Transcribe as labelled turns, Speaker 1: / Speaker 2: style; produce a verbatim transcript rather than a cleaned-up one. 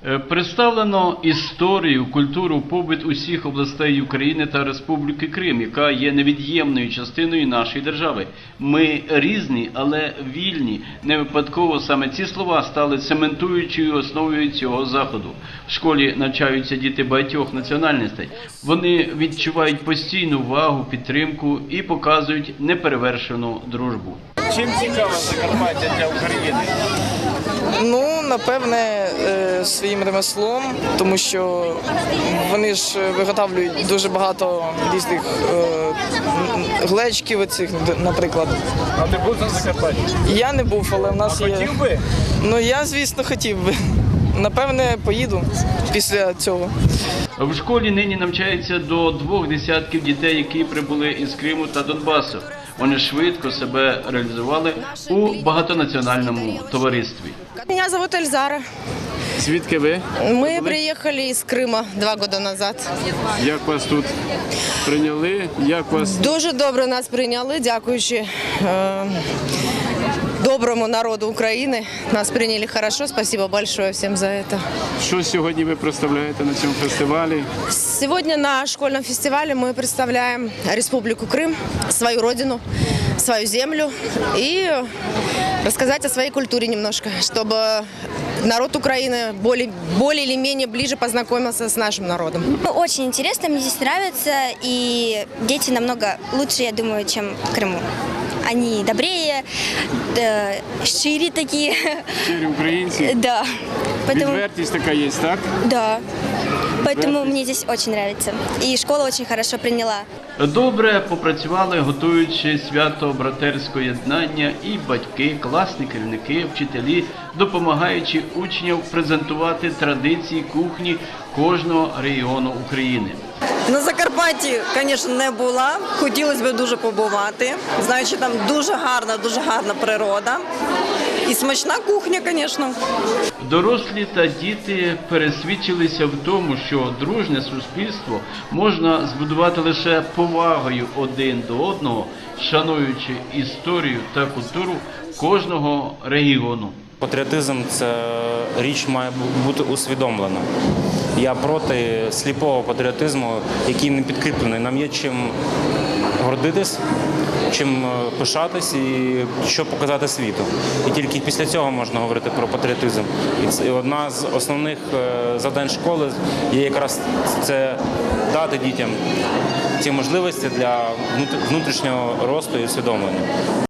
Speaker 1: Представлено історію, культуру, побут усіх областей України та Республіки Крим, яка є невід'ємною частиною нашої держави. Ми різні, але вільні. Не випадково саме ці слова стали цементуючою основою цього заходу. В школі навчаються діти багатьох національностей. Вони відчувають постійну увагу, підтримку і показують неперевершену дружбу.
Speaker 2: Чим цікаво Закарпаття для України?
Speaker 3: Ну, напевне, своїм ремеслом, тому що вони ж виготовлюють дуже багато різних глечиків оцих, наприклад.
Speaker 2: А ти був на Закарпатті?
Speaker 3: Я не був, але в нас
Speaker 2: а
Speaker 3: є...
Speaker 2: хотів би?
Speaker 3: Ну, я, звісно, хотів би. Напевне, поїду після цього.
Speaker 1: В школі нині навчається до двох десятків дітей, які прибули із Криму та Донбасу. Вони швидко себе реалізували у багатонаціональному товаристві.
Speaker 4: Меня зовут Эльзара.
Speaker 2: Звідки ви?
Speaker 4: Мы приехали из Крыма два года назад.
Speaker 2: Як вас тут прийняли? Як вас...
Speaker 4: Дуже добре нас прийняли, дякуючи е, доброму народу України. Нас приняли хорошо, спасибо большое всем за это.
Speaker 2: Що сьогодні ви представляєте на цьому фестивалі?
Speaker 4: Сегодня на школьном фестивале мы представляем Республику Крым, свою родину, свою землю и рассказать о своей культуре немножко, чтобы народ Украины более, более или менее ближе познакомился с нашим народом.
Speaker 5: Очень интересно, мне здесь нравится, и дети намного лучше, я думаю, чем в Крыму. Они добрее, да, шире такие.
Speaker 2: Щирі українці?
Speaker 5: Да. Поэтому,
Speaker 2: Відвертість така є, так?
Speaker 5: да. Поэтому мне здесь очень нравится. И школа очень хорошо приняла.
Speaker 1: Добре попрацювали, готуючи свято братерського єднання, і батьки, класні керівники, вчителі, допомагаючи учням презентувати традиції кухні кожного регіону України.
Speaker 6: На Закарпатті, звісно, не була. Хотілося б дуже побувати. Знаю, що там дуже гарна, дуже гарна природа. І смачна кухня, звісно.
Speaker 1: Дорослі та діти пересвідчилися в тому, що дружне суспільство можна збудувати лише повагою один до одного, шануючи історію та культуру кожного регіону.
Speaker 7: Патріотизм – це річ має бути усвідомлена. Я проти сліпого патріотизму, який не підкріплений. Нам є чим гордитись, чим пишатись і що показати світу. І тільки після цього можна говорити про патріотизм. І це одна з основних завдань школи є якраз це дати дітям ті можливості для внутрішнього росту і усвідомлення.